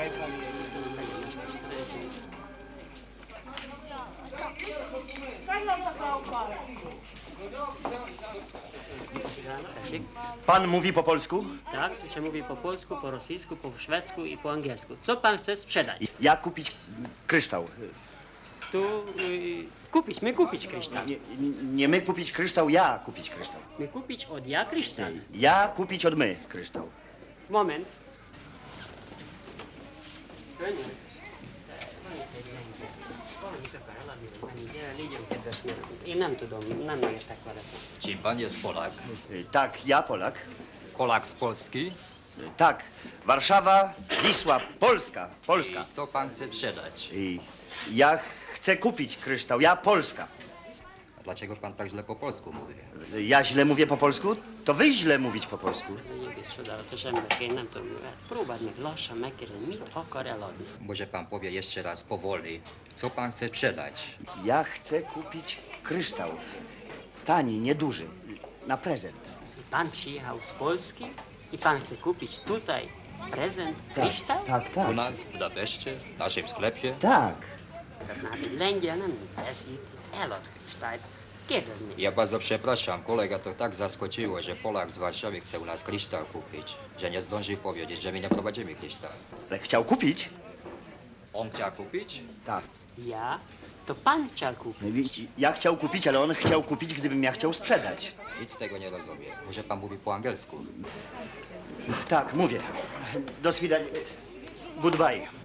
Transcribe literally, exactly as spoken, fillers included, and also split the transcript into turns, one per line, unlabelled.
Pan mówi po polsku?
Tak, tu się mówi po polsku, po rosyjsku, po szwedzku i po angielsku. Co pan chce sprzedać?
Ja kupić kryształ.
Tu y, kupić, my kupić kryształ.
Nie, nie my kupić kryształ, ja kupić kryształ.
My kupić od ja kryształ.
Ja kupić od my kryształ.
Moment. I nam tu dom, nam nie jest tak ładnie.
Czy pan jest Polak?
Y, Tak, ja Polak.
Polak z Polski?
Y, Tak, Warszawa, Wisła, Polska, Polska.
I co pan chce sprzedać?
I ja chcę kupić kryształ, ja Polska.
A dlaczego pan tak źle po polsku mówi?
Y, Ja źle mówię po polsku? To wy źle mówić po polsku.
Nie wiem, sprzedał, to żem nam to próbać glosza, mekier, mit okorelodny.
Może pan powie jeszcze raz powoli, co pan chce sprzedać?
Ja chcę kupić kryształ. Tani, nieduży, na prezent.
I pan przyjechał z Polski i pan chce kupić tutaj prezent kryształ?
Tak, tak.
U nas, w Budapeszcie, w naszym sklepie?
Tak.
Na Lengianen, das ist Elot kryształ. Kiedy z
Ja bardzo przepraszam, kolega to tak zaskoczyło, że Polak z Warszawy chce u nas kryształ kupić, że nie zdążył powiedzieć, że my nie prowadzimy kryształ.
Ale chciał kupić?
On chciał kupić?
Tak.
Ja? To pan chciał kupić.
Ja chciał kupić, ale on chciał kupić, gdybym ja chciał sprzedać.
Nic z tego nie rozumiem. Może pan mówi po angielsku?
Tak, mówię. Do swidania. Goodbye.